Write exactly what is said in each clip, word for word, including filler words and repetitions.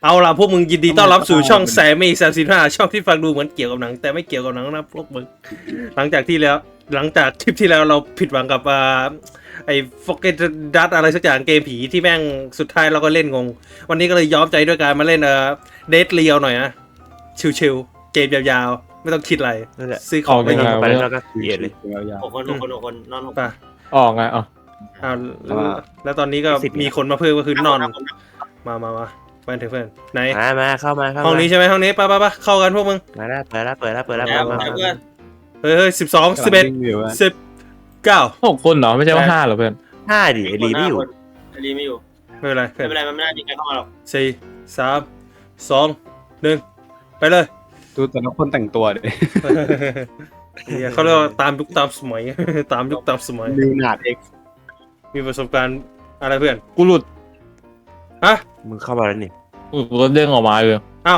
เอาล่ะพวกมึงยินดีต้อนรับสู่ช่องแซมมี่สามสิบห้าช่องที่ฟังดูเหมือนเกี่ยวกับหนังแต่ไม่เกี่ยวกับหนังนะพวกมึงหลังจากที่แล้วหลังจากทริปที่แล้วเราผิดหวังกับอ่าไอ้ฟอกเกตดัตอะไรสักอย่างเกมผีที่แม่งสุดท้ายเราก็เล่นงงวันนี้ก็เลยย้อมใจด้วยการมาเล่นเอ่อเดทเรียวหน่อยนะชิวๆเกมยาวๆไม่ต้องคิดอะไรซื้อของไปไปยิงไปแล้วก็เกลียดเลยหกคนหกคนหกคนนอนหกป่ะออกไงอ๋ออ้าวแล้วแล้วตอนนี้ก็มีคนมาเพิ่มก็คือนอนมามามาเพื่อนเถอะเพื่อนไหนมามาเข้ามาเข้ามาห้องนี้ใช่ไหมห้องนี้ไปไปไปเข้ากันพวกมึงมาแล้วเปิดแล้วเปิดแล้วเปิดแล้วแล้วมาเพื่อนเฮ้ยเฮ้ยสิบสองสิบเอ็ดสิบเก้าหกคนเหรอไม่ใช่ว่าห้าเหรอเพื่อนห้าดิไอรีไม่อยู่ไอรีไม่อยู่ไม่เป็นไรไม่เป็นไรมันไม่น่าจะใครเข้ามาหรอกสี่สามสองหนึ่งไปเลยดูแต่ละคนแต่งตัวดิเนี่ยเขาเรียกว่าตามยุคตามสมัย ตามยุคตามสมัยลิวนาร์ดเอ็กซ์มีประสบการณ์อะไรเพื่อนกูหลุดฮะมึงเข้ามาแล้วนี่กูก็เด้งออกมาเลยอ้าว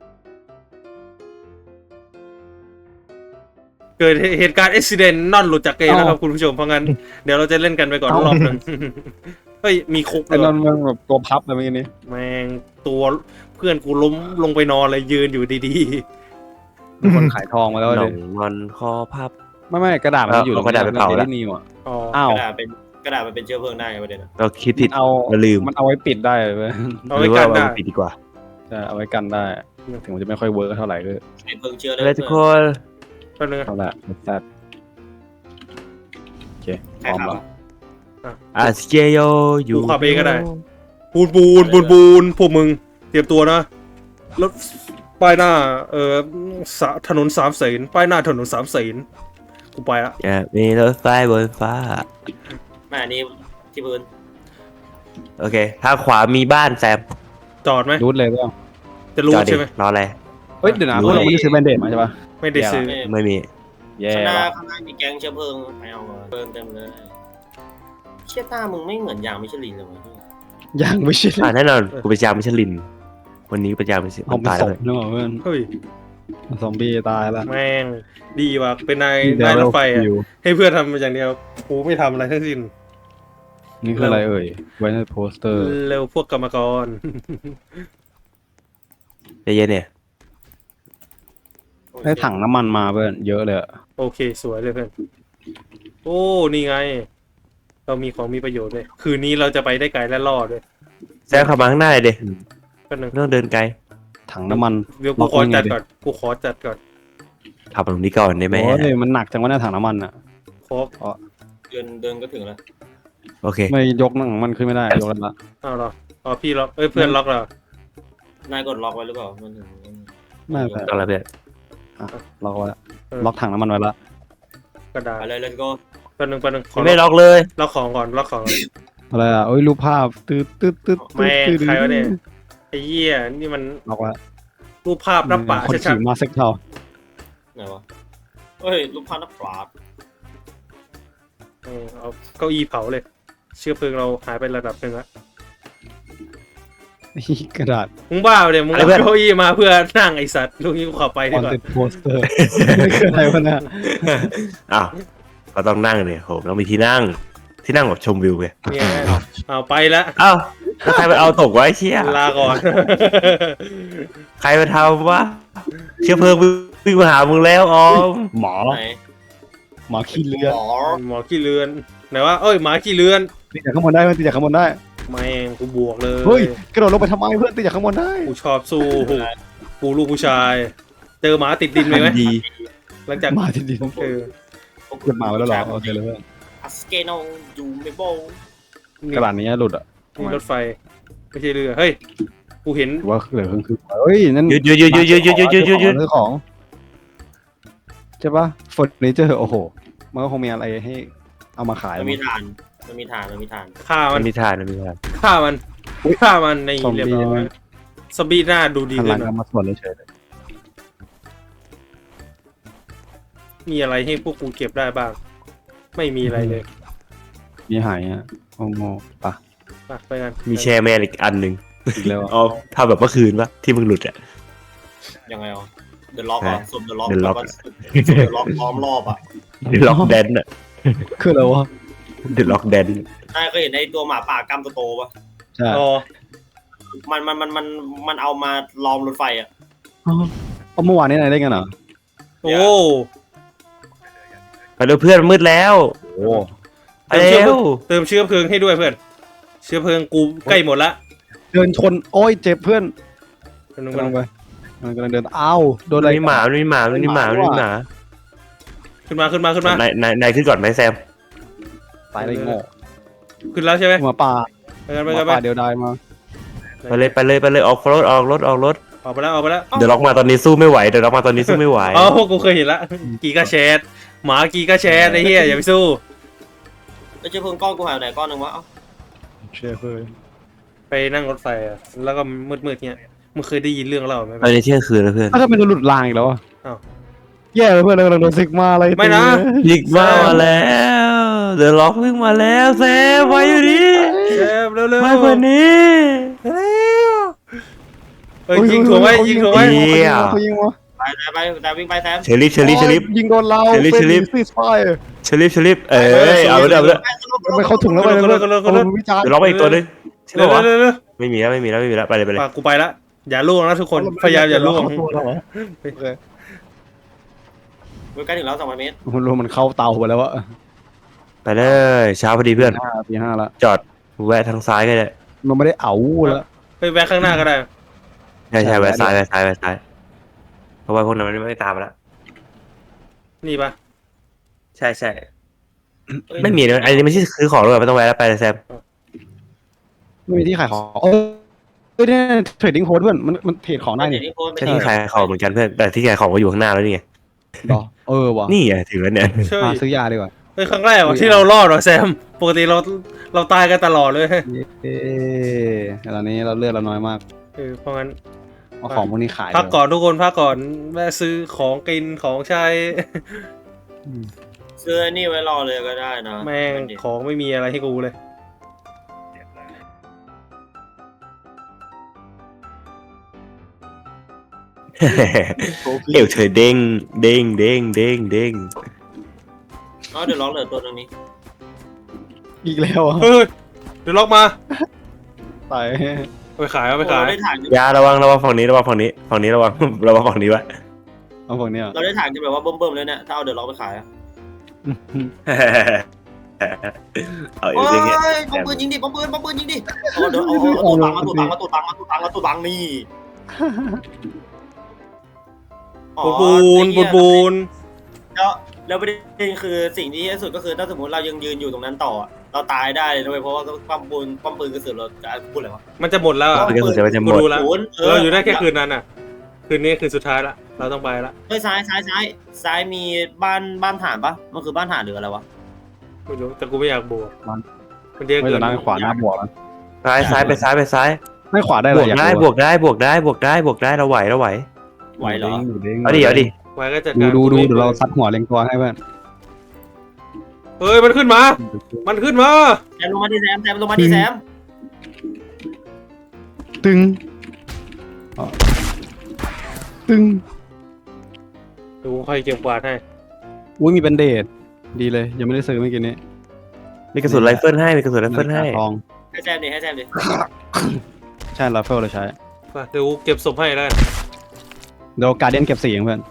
เกิดเหตุการณ์อุบิเหตุนอนหลุดจากเกมนะครับคุณผู้ชมเพราะงั้นเดี๋ยวเราจะเล่นกันไปก่อนรอบหนึ่ง เฮ้ยมีคุกไอ้เลยนนท์มันแบบตัวพับอะไรเมื่อกี้นี้แม่งตัวเพื่อนกูล้มลงไปนอนเลยยืนอยู่ดีมีคนขายทองมาแล้วหนเลอย งงอนคอพับไม่ไม่กระดาษมันอยู่เอากระดาษไปเผาแล้วที่นิวอ่ะๆอ๋ออ้าวกระดาษเป็นกระดาษมันเป็นเชื้อเพลิงได้ไงประเด็นอะเราคิดผิดเอาเราลืมมันเอาไว้ปิดได้เลยเอาหไว้รือกัว่านได้เราปิดดีกว่าจะเอาไว้กันได้ ถึงมันจะไม่ค่อยเวิร์กเท่าไหร่ก็เป็นเพลิงเชื้อเลยเลยทุกคนแป๊บนึงนะเท่าไหร่แซ่บโอเคพใครร้อมขับแล้วอะอาสเกโยอยู่กูขับเองก็ได้ปูนปูนปูนปูนพวกมึงเตรียมตัวนะรถป้ายหน้าเอ่อสะถนนสามเสนป้ายหน้าถนนสามเสนกูไปละอย่ามีรถไฟบนฟ้าแม่อันนี้ที่พื้นโอเคทางขวามีบ้านแซมจอดไหมรูดเลยเปล่าจะรู้จอดดิใช่ไหมรออะไรเฮ้ยเดี๋ยวนะพวกเราไม่ได้ซื้อแบนเดดมาใช่ปะไม่ได้ซื้อไม่ไม่มีแย่ข้างหน้าว่ะข้างหน้ามีแก๊งเชื้อเพลิงไปเอามาเพลิงเต็มเลยเชี่ยต้ามึงไม่เหมือนยางมิชลินเลยวะยังไม่ใช่อ่าแน่นอนกูไปจามมิชลิน วันนี้ไปจามมิชลินเอามันไปตายศแล้วพนึกออกเพื่อนเฮ้ยซอมบี้ตายแล้วแม่งดีว่ะเป็นนายนายรถไฟอ่ะให้เพื่อนทำอย่างเดียวกูไม่ทำอะไรทั้งสิ้นนี่คืออะไรเอ่ยไว้ในโปสเตอร์เร็วพวกกรรมกรใจเย็นเนี่ยได้ถังน้ำมันมาเพื่อนเยอะเลยอะโอเคสวยเลยเพื่อนโอ้นี่ไง เรามีของมีประโยชน์ด้วยคืนนี้เราจะไปได้ไกลและรอดด้วยแซมขับมาข้างหน้าเลยเด็ก็นึงไม่ต้องเดินไกลถังน้ำมันเดี๋ยวกูขอจัดก่อนกูขอจัดก่อนขับตรงนี้ก่อนได้ไหมโอ้ยมันหนักจังวะเนี่ยถังน้ำมันอ่ะขอเดินเดินก็ถึงแล้วโอเคไม่ยกหนังมันขึ้นไม่ได้ยกแล้วละเอาเหรออ๋อพี่ล็อกเอ้ยเพื่อนล็อกเหรอนายกดล็อกไว้หรือเปล่ามันถึงไม่แต่ต้องแล้วเพื่อนล็อกไว้ล็อกถังน้ำมันไว้ละกระดาษไปเลย let's go แป๊บนึงแป๊บนึงขอไม่ล็อกเลยล็อกของก่อนล็อกของก่อนอะไรอ่ะโอ้ยรูปภาพตืดตืดตืดแม่งใครวะเนี่ยไอ้เหี้ยนี่มันล็อกไว้รูปภาพหน้าป่าคนชัดขี่มาเซ็กเทาไหนวะเฮ้ยลูกพันนักปราบๆเออเอาเก้าอี้เผาเลย เชื้อเพลิงเราหายไประดับหนึ่งละกระดาษมึงบ้าไปเลยมึงเอาเก้าอี้มาเพื่อนั่งไอสัตว์ลูกนี้กูขอไปคดีอนกว่าเซ็ปต์โปสเตอร์นี่คืออะไรวะเนี่ยอ้าวก็ต้องนั่งเลยโหต้องมีที่นั่ง ที่นั่งแบบชมวิวไงเนี่ยเอาไปแล้วอ้าวแล้วใครไปเอาตกไว้เชี่ยลาก่อนใครไปทำวะเชื้อเพลิงวิ่งมาหามึงแล้วออมหมอไหนหมอขี้เลือดหมอหมอขี้เลือนไหนวะเอ้ยหมาขี้เลือนตีจากข้างบนได้เพื่อนตีจากข้างบนได้แม่งกูบวกเลยเฮ้ยกระโดดลงไปทำไมเพื่อนตีจากข้างบนได้กูชอบสู้กูลูกผู้ชาย เจอหมาติดดินไหมไหมดีหลังจากมาทีเดียวเออเกิดมาไว้แล้วเหรอโอเคเลยเพื่อนอัสเกโนยูเมโบนี่กระดาษนี้หลุดอ่ะนี่รถไฟไม่ใช่เรือเฮ้ยกูเห็นว่าเหลือครึ่งคือเฮ้ยนั่นหยุดหยุดหยุดหยุดหยุดหยุดหยุดหยุดหยุดหยุดซื้อของใช่ปะเฟอร์นิเจอร์โอ้โหมันก็คงมีอะไรให้เอามาขายมันมีฐานมันมีฐานมันมีฐานฆ่ามัมัน นมีทานมันมีทานฆ่ามันฆ่ามันในซอมเรียบบี้ร้อยซอมบี้หน้าดูดีหันหขึ้ลันงหน่กัอน ยมาส่วนเฉยเลยมีอะไรให้พวกกูเก็บได้บ้าง ไม่มีอะไรเลยมีหายอ่ะโอ้โหปะไปไปกันมีแชร์แมนอีกอันหนึ่งอีกแล้วเอาทำแบบเมื่อคืนปะที่มึงหลุดอ่ะยังไงอ่ะเดอะล็อกอ่ะสมเดอะล็อก The Lock เดอะล็อกล้อมรอบอ่ะเดล็อกแดนอ่ะคืออะไรวะเดล็อกแดนนายเคยเห็นไอ้ตัวหมาป่ากล้ามโตๆปะใช่อ๋อมันมันมันมันมันเอามาล้อมรถไฟอ่ะเอาเมื่อวานนี้นายได้กันเหรอโอ้ไปดูเพื่อนมืดแล้วโอ้ไปเร็วเติมเชื้อเพลิงให้ด้วยเพื่อนเชื้อเพลิงกูใกล้หมดละเดินชนโอ้ยเจ็บเพื่อนกำลังกำลังไปมันกำลังเดินอ้าวโดนอะไรมีหมามีหมามีหมามีหมาขึ้นมาขึ้นมาขึ้นมานายนายนายขึ้นก่อนไหมแซมตายเลยโง่ขึ้นแล้วใช่ไหมหมาป่าไปกันหไปมากันไปป่าเดียวดายมาไปเลยไปเลยไปเลยออกรถออกรถออกรถออกไปแล้วออกไปแล้วเดี๋ยวล็อกมาตอนนี้สู้ไม่ไหวเดี๋ยวล็อกมาตอนนี้สู้ไม่ไหวอ๋อกูเคยเห็นละกีกาแชทหมากีกาแชทไอ้เหี้ยอย่าไปสู้แล้วเชื้อเพลิงก้อนกูหายไปไหนก้อนหนึ่งวะเอ้าเชื่อเพื่อนไปนั่งรถไฟอะแล้วก็มืดๆเงี้ยมึงเคยได้ยินเรื่องเล่าไหมตอนนี้เที่ยงคืนแล้วเพื่อนถ้าทำไมโดนหลุดรางอีกแล้วอ่ะอ้าวแย่เลยเพื่อนเรากำลังโดนซิกมาอะไรไม่นะยิกมามาแล้วเดี๋ยวล็อกวิ่งมาแล้วแซมไว้อยู่ดิแชทเร็วๆไว้กว่านี้เร็วเอ้ยยิงถูกไหมยิงถูกไหมเหี้ยเขายิงวะไปไปไปแต่วิ่งไปแซมเชลิฟเชลิฟเชลิฟโอ้ยยิงโดนเราเชลิฟเป็นเชลิฟซีสไฟร์เชลิฟเชลิฟเอ้ยเอาเลยเอาเลยไปเข้าถุงแล้วไปเลยเพื่อนเอาวิจารณ์เดี๋ยวล็อกไปอีกตัวนึงใช่เร็ปะววะๆเร็วๆเร็วไม่มีแล้วไม่มีแล้วไม่มีแล้วไปเลยไปเลยๆปากกูไปละอย่าล่วงนะทุกคนพยายามอย่าล่วงตัวเราเหรอใกล้ถึงแล้วสองพันเมตรมันรู้มันเข้าเตาไปแล้ววะไปเลยเช้าพอดีเพื่อนห้าตีห้าละจอดแวะทางซ้ายก็ได้มันไม่ได้เอาแล้วไปแวะข้างหน้าก็ได้ใช่ใช่แวะซ้ายแวะซ้ายแวะซ้ายเพราะว่าพวกนั้นมันไม่ตามมาแล้วนี่ปะใช่ใช่ไม่มีนะอันนี้ไม่ใช่ซื้อของเลยไม่ต้องแวะแล้วไปเลยแซมไม่มีที่ขายของเออเออเนี่ยเทรดดิ้งโค้ดเพื่อนมันมันเทรดของได้เดี๋นี่ยวนี้โพสต์ไปใช่ที่ขายของเหมือนกันเพื่อนแต่ที่ขายของก็อยู่ข้างหน้าแล้วนี่ไงดอเออว่ะนี่ไงถึงแล้วเนี่ยใช่มาซื้อยาดีกว่าเฮ้ยครั้งแรกว่ะที่เรารอดว่ะแซมปกติเราเราตายกันตลอดเลยเอ๊ะตอนนี้เราเลือดเราน้อยมากเออเพราะงั้นเอาของพวกนี้ขายพักก่อนทุกคนพักก่อนแม่ซื้อของกินของใช้อืมซื้อไอ้นี่ไว้รอเลยก็ได้นะแม่งของไม่มีอะไรให้กูเลยเอวเธอเด้งเด้งเด้งเด้งเด้งอ๋อเดี๋ยวร้องเหลือตัวหนึงนี้อีกแล้วอ่ะเฮ้ยเดี๋ยวล็อกมาตายเอาไปขายเอาไปขายเราได้ถ่ายอยาระวังระวังฝั่งนี้ระวังฝั่งนี้ฝั่งนี้ระวัง ระวังฝั่งนี้ไว้เอาพวกเนี้ยเราได้ถ่ายกันแบบว่าเบิ่มๆเลยเนี่ยถ้าเอาเดี๋ยวร้องไปขายอะเอาอโอ้ยู่ยอย่างเงี้ยปอมปืนยิงดิปอมปืนปอมปืนยิงดิเอาเดี๋ยวเอาเอาตัวบังมาตัวบังมาตัวบังมาตัวบังมาตัวบังนี่อ๋อปูนปูนปูนแล้วแล้วประเด็นคือสิ่งที่ที่สุดก็คือถ้าสมมติเรายังยืนอยู่ตรงนั้นต่อ เราตายได้เลยนะเว้ยเพราะว่าป้อมปืนป้อมปืนกระสุนเราจะพูดอะไรวะมันจะหมดแล้วอะมันก็จะมันจะหมกูดรู้แล้วศูนย์เราอยู่ได้แค่คืนนั้นอ่ะ คืนนี้คืนสุดท้ายละเราต้องไปละเฮ้ยซ้ายซ้ายซ้ายซ้ายมีบ้านบ้านฐานปะมันคือบ้านฐานหรืออะไรวะไม่รู้แต่กูไม่อยากบวกมันเยอะไม่เกิจะนนั่งขวาหน้าบวกนะซ้ายซ้ายไปซ้ายไปซ้ายไม่ขวาได้บเลวย กอยากได้บวกได้บวกได้บวกได้บวกได้เราไหวเราไหวไหวเหรอดูด้งเอาดิเอาดิไว้ก็จัดดูการดูดูเดี๋ยวเราซัดหัวเล็งตัวให้เพื่อนเฮ้ยมันขึ้นมา มันขึ้นมาแซมลงมาดิแซมแซมลงมาดิแซมตึงอ๋อตึงดูค่อยเก็บกวาดให้อุ้ยมีแบนเดดดีเลย ยังไม่ได้ซื้อเมื่อกี้นี้มีกระสุนไรเฟิลให้มีกระสุนไรเฟิลให้ทองให้แซมดิให้แซมดิใช่ไรเฟิลเราใช้ไปเดี๋ยวกูเก็บศพให้แล้วกันเดี๋ยวการเดียนเก็บสีเองเพื่อน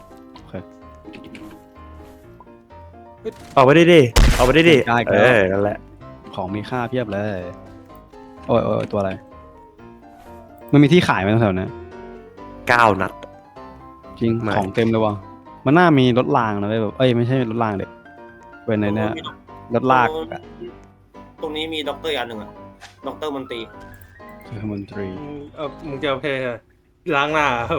ออกไปดิดิออกไปดิดิได้ครับเออนั่นแหละของมีค่าเพียบเลย โอ้ยโอ้ยตัวอะไร มันมีที่ขายไหมแถวๆนี้เก้านัดจริงไม่ของเต็มเลยว่ะมันน่ามีรถรางนะเว้ยแบบเอ้ยไม่ใช่รถรางเด็กเป็นในเนี้ยรถลากอะตรงนี้มีด็อกเตอร์อีกอันหนึ่งอะด็อกเตอร์มันตรีเทอร์มนตรีอืมเออมึงจะเอาไปล้างหน้าครับ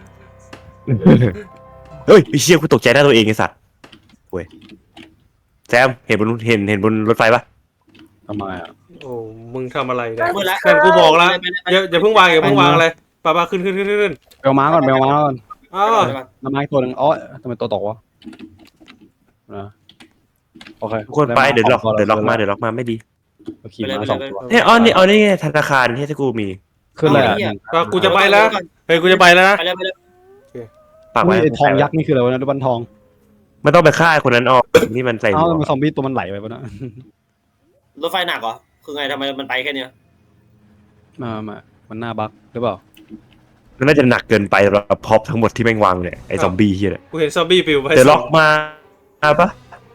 เฮ้ยไอ้เชี่ยกูตกใจได้ตัวเองไอ้สัตว์เว้ยแซมเห็นบนเห็นเห็นบนรถไฟปะทำไมอ่ะโอ้มึงทำอะไรเนี่ยมืดละแซมกูบอกแล้วอย่าอย่าเพิ่งวางอย่าเพิ่งวางอะไรปะปะขึ้นขึ้นขึ้นขึ้นขึ้นเบลม้าก่อนเบลม้าก่อนอ้าวน้ำไม้ตัวหนึ่งอ๋อทำไมตัวตกวะนะโอเคทุกคนไปเดี๋ยวล็อกเดี๋ยวล็อกมาเดี๋ยวล็อกมาไม่ดีขี่ม้าสองตัวเนี่ยอ๋อนี่อ๋อนี่ไงธนาคารที่ที่กูมีขึ้นเลยอ่ะปะกูจะไปแล้วเฮ้ยกูจะไปแล้วนะไปเลยไปเลยปากอุ้ไว้ยไอ้ทองยักษ์นี่คืออะไรวะนะรูปปั้นทองไม่ต้องไปฆ่าไอ้คนนั้นออกนี่มันใส่หมเอ้าวกทำไมซอมบี้ตัวมันไหลไปปะเนะรถไฟหนักเหรอคือไงทำไมมันไปแค่เนี้ยมามามันหน้าบั๊กหรือเปล่ามันน่าจะหนักเกินไปสำหรับพ็อปทั้งหมดที่แม่งวางเนี่ยไอ้ซอมบี้เฮียเนี่ยกูเห็นซอมบี้ปิวไปเดอะล็อกมามาปะ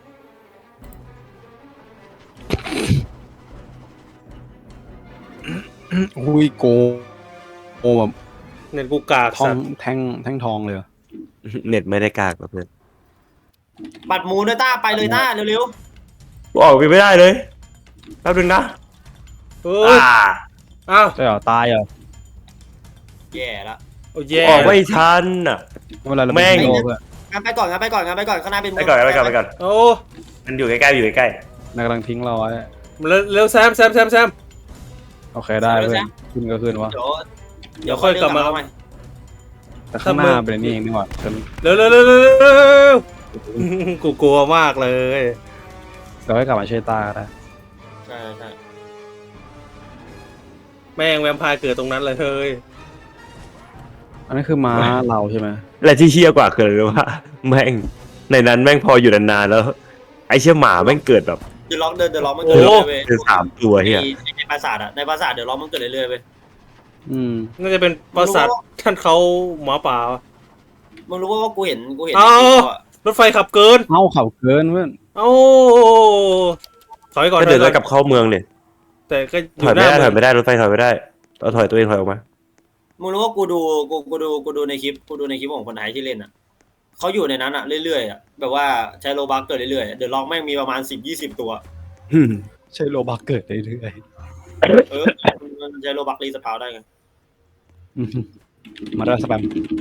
อุ้ยโกโอ้แบบเน็ตกูกากทอสังตว์แท่งแท่งทองเลยเหรอเน็ตไม่ได้กากหรอกเพื่อนบัตรหมูด้วยต้าไปเลยต้าเร็วกูออกไปไม่ได้เลยแป๊บนึงนะเอ้อ่ายอ้าวใช่เหรอตายเหรอๆแย่ละโอ้กูแย่ออกไม่ทันอ่ะไม่เป็นไรเราแม่งเป็นฮีโร่เพื่อนงั้นไปก่อนงั้นไปก่อนงั้นไปก่อนข้างหน้าเป็นไปก่อนไปก่อนไปก่อนโอ้มันอยู่ใกล้ๆอยู่ใกล้นายกำลังทิ้งเราไว้เร็วเร็วแซมแซมแซมแซมโอเคได้เพื่อนขึ้นก็ขึ้นวะเดี๋ยวเดี๋ยวค่อยกลับมาใหม่แต่ข้างหน้าเป็นนี่เองนี่หว่าเป็นเร็วเร็วเร็วเร็วเร็วกูกลัวมากเลยเราให้กลับมาช่วยตาได้ใช่ใช่แม่งแวมไพร์เกิดตรงนั้นเลยเฮ้ยอันนั้นคือม้าเราใช่ไหมๆและที่เชี่ยกว่าคืออะไรรู้ว่าแม่งในนั้นแม่งพออยู่นานๆแล้ว ไอ้เชี่ยหมาแม่งเกิดแบบเดี๋ยวล็อกเดินเดี๋ยวล็อกมันเกิดเรื่อยๆเว้ยเป็นสามตัวเฮียในในปราสาทอะในปราสาทเดี๋ยวล็อกมันเกิดเรื่อยๆเว้ยอืมน่าจะเป็นปราสาทท่านเขาหมาป่ามึงรู้ว่ากูเห็นกูเห็นเอ้าในคลิปอะรถไฟขับเกินเอ้าเข่าเกินเพื่อนเอ้าถอยก่อนก็เดินถแล้อวย กลับเข้าเมืองเนี่ยแต่ก็อถอยู่ ยหไม่น้าได้ถเมืออย งไม่ได้รถไฟถอยไม่ได้เราถอยตัวเองถอยออกมามึงรู้ว่ากูดูกูกูดูกูดูในคลิปกูดูในคลิปของคนไทยที่เล่นอะเขาอยู่ในนั้นอะเรื่อยๆอะแบบว่าใช้โลบัคเกิดเรื่อยๆเดี๋ยวล็อกแม่งมีประมาณสิบยี่สิบตัวอืมใช่โลบักเกิดเรื่อยเออมันใช้โลบัครีสปาวได้ไงๆอืมมาได้สแปม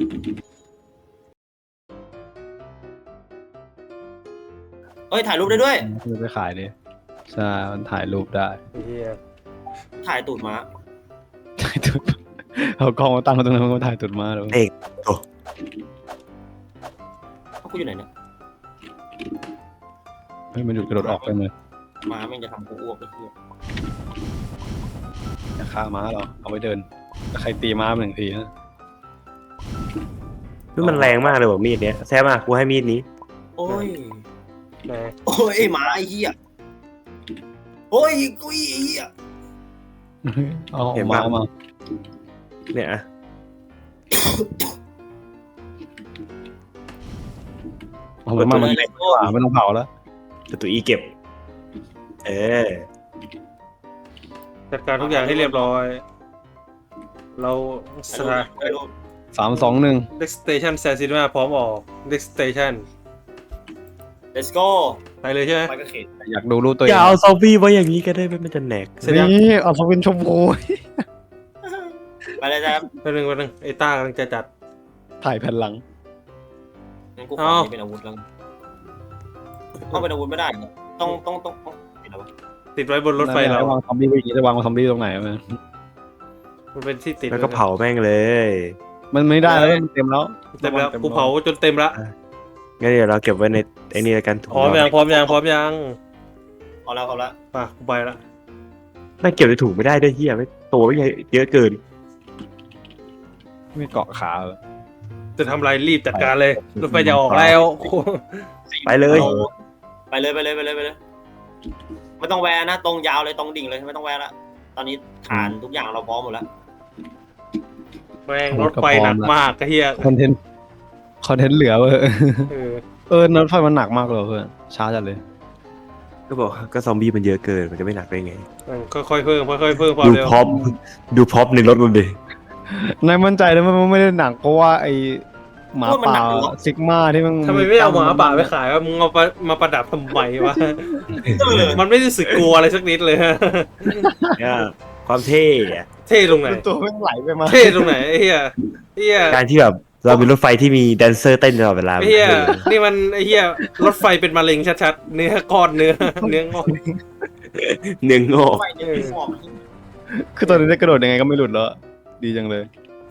เอ้ยถ่ายรูปได้ด้วยจะไปขายดิใช่มันถ่ายรูปได้เหี้ยถ่ายตูดม้าถ่ายตุดเอากล้องมาตั้งมาตรงนั้นมันก็ถ่ายตุดมาเลยเอกเอ้ากูอยู่ไหนเนี่ยเฮ้ยมันหยุดกระโดดออกไปเลยม้าแม่งจะทำกูอ้วกไปเพื่อจะฆ่าม้าเหรอเอาไว้เดินแต่ใครตีม้ามันหนึ่งทีนะนี่มันแรงมากเลยว่ะมีดเนี้ยแซ่บมากกูให้มีดนี้โอ้ยแหมโอ้ยไอ้หมาไอ้เหี้ยโอ้ยกุยไอ้เหี้ยเอาเห็นม้าปะมาเนี่ยอะเอาม้ามามันเล็กกว่าไม่ต้องเผาแล้วแต่ตัวอีเก็บ เออจัดการทุกอย่างให้เรียบร้อย เราสถานถ่ายรูปสามสองหนึ่ง Next Station แซนซินมาพร้อมออก Next Station let's go ไปเลยใช่ไหมไปกระเขนอยากดูรูปตัวเออง ย่าเอาซอมบี้ไว้อย่างนี้ก็ได้มันจะแหนกเสร็จยังนี่เอาสวินชมพูไปเลยจ้าแป๊บนึงแป๊บนึงไอ้ต้ากำลังจะจัดถ่ายแผ่นหลังงั้นกูขอเอานี่เป็นอาวุธแล้วต้องเป็นอาวุธไม่ได้เหรอต้องต้องต้องต้องเป็นอาวุธติดไว้บนรถไฟเราวางซอมบี้ไว้อย่างนี้จะวางซอมบี้ตรงไหนมันมันเป็นที่ติดแล้วก็เผาแม่งเลยมันไม่ได้แล้วมันเต็มแล้วเต็มแล้วกูเผาจนเต็มละงั้นเดี๋ยวเราเก็บไว้ในไอ้นี่แล้วกันถุงพร้อมยังพร้อมยังพร้อมยังเอาแล้วเอาแล้วป่ะกูไปละน่าเก็บในถุงไม่ได้ด้วยเฮียไม่ตัวไม่ใหญ่เยอะเกินไม่เกาะขาเลยจะทำอะไรรีบจัดการเลยรถไฟจะออกแล้วไปเลยไปเลยไปเลยไปเลยไปเลยไม่ต้องแวะนะตรงยาวเลยตรงดิ่งเลยไม่ต้องแวะละตอนนี้ฐานทุกอย่างเราพร้อมหมดแล้วแม่งรถไฟหนักมากก็เฮียคอนเทนต์คอนเทนต์เหลือเว้ยเออเออรถไฟมันหนักมากเลยเพื่อนช้าจัดเลยก็บอกก็ซอมบี้มันเยอะเกินมันจะไม่หนักได้ไงมันค่อยๆเพิ่มค่อยๆเพิ่มความดูเร็วพร็อพดูพร็อพในรถมันดินายมั่นใจนะมันไม่ได้หนักเพราะว่าไอหมาป่าซิกมาที่มันทำไมไม่เอาหมาป่าไปขายว่ามึงเอาไปมาประดับทำไมวะ มันไม่รู้สึกกลัวอะไรสักนิดเลยฮะเนี่ยความเท่อะเท่ตรงไหนตัวมันไหลไปมาเท่ตรงไหนไอ้เฮียเฮียการที่แบบเรามีรถไฟที่มีแดนเซอร์เต้นตลอดเวลาไอ้เฮียนี่มันไอ้เฮียรถไฟเป็นมะเร็งชัดๆเนื้อก้อนเนื้อเนื้องอกเนื้องอกไฟเนี่ยพี่หมอบคือตอนนี้ได้กระโดดยังไงก็ไม่หลุดแล้วดีจังเลย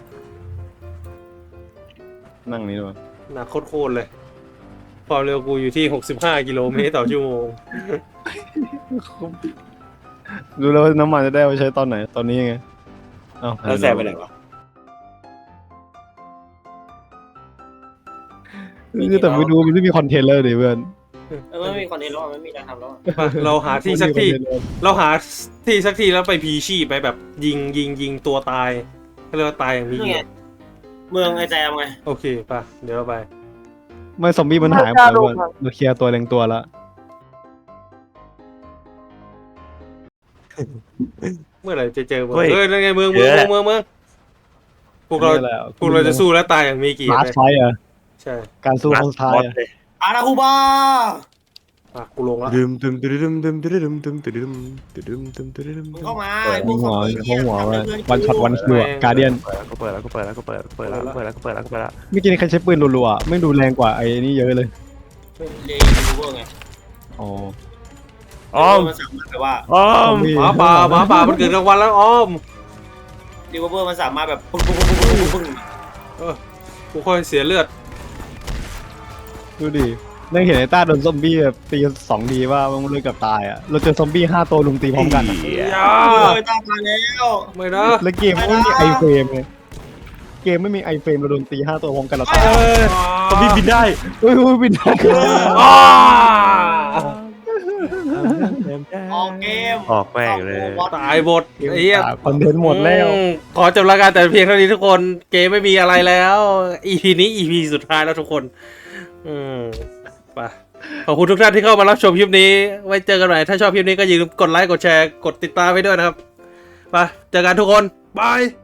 นั่งนี้ด้วยหนักโคตรๆเลยความเร็วกูอยู่ที่หกสิบห้ากิโลเมตรต่อชั่วโมงรู้แล้วว่าน้ำมันจะได้เอาไปใช้ตอนไหนตอนนี้ยังไงเอ้าแล้วแสบไปไหนวะคือแต่ไม่ดูมันไม่มีคอนเทนต์เลยดิเพื่อนเออไม่มีคอนเทนต์แล้วอะไม่มีการทำแล้วอะไปเราหาที่สักที่ เราหาที่สักที่แล้วไปพีชีพไปแบบยิงยิงยิงตัวตายก็เรียกว่าตายอย่างมีนี่เกีไงยรติเมืองไอแจมไงโอเคป่ะเดี๋ยวเราไปไม่ซอมบี้มันหายหมดแล้วอะเราเคลียร์ตัวเล็งตัวแล้วเมื่อไหร่จะเจอเมืองเฮ้ยเออนั่นไงเมืองเมืองเมืองเมืองเมืองพวกเรานี่แหละพวกเราจะสู้และตายอย่างมีเกียรมาติร์เลยไฟอะใช่การสู้ครั้งสุดท้ายบอสอะเลยอาราคูบาอ่ะกูลงละดึมดึมดึมดึมดึมดึมดึมดึมดึมดึมดึมดึมมึงเข้ามาเปิดไอ้พมีวกหัซอวมบี้มีเหี้ยหัวทำว่าเรื่องวันช็อตวันคิวอะการเดียนเปิดแล้วก็เปิดแล้วก็เปิดแล้วก็เปิดแล้วก็เปิดแล้วก็เปิดแล้วก็เปิดแล้วก็เปิดแล้วเมื่อกี้นี่ใครใช้ปืนรัวๆอะไม่งดูแรงกว่าไอ้นี่เยอะเลยเลยูเวอร์ไงอ๋ออ้อมมันสามารถแบบว่าอ้อซอมมบี้หมาป่าหมาป่ามันเกิดกลางวันแล้วอ้อมรีเวอร์มันสามารถแบบปึ้งปึ้งปึ้งปึ้งปึ้งปึ้งเออกูค่อยเสียเลือดดูดินั่งเห็นไอ้ต้าโดนซอมบี้แบบตีสองทีว่ามันเลยกับตายอ่ะเราเจอซอมบี้ห้าตัวลุมตีพร้อมกันอะอย่าเฮ้ยตามมาแล้วไม่นะแล้วเกมไม่มีไอเฟรมเลยเกมไม่มีไอเฟรมเราโดนตีห้าตัวพร้อมกันเราตายเออซอมบี้บินได้เฮ้ยเฮ้ยบินได้อ้าออกเกมออกแม่งเลยตายหมดไอ้เหี้ยคอนเทนต์หมดแล้วอืมขอจบรายการแต่เพียงเท่านี้ทุกคนเกมไม่มีอะไรแล้ว อี พี นี้ อี พี สุดท้ายแล้วทุกคน อืมไปขอบคุณทุกท่านที่เข้ามารับชมคลิปนี้ ไว้เจอกันใหม่ถ้าชอบคลิปนี้ก็อย่าลืมกดไลค์กดแชร์กดติดตามไปด้วยนะครับไปเจอกันทุกคนบาย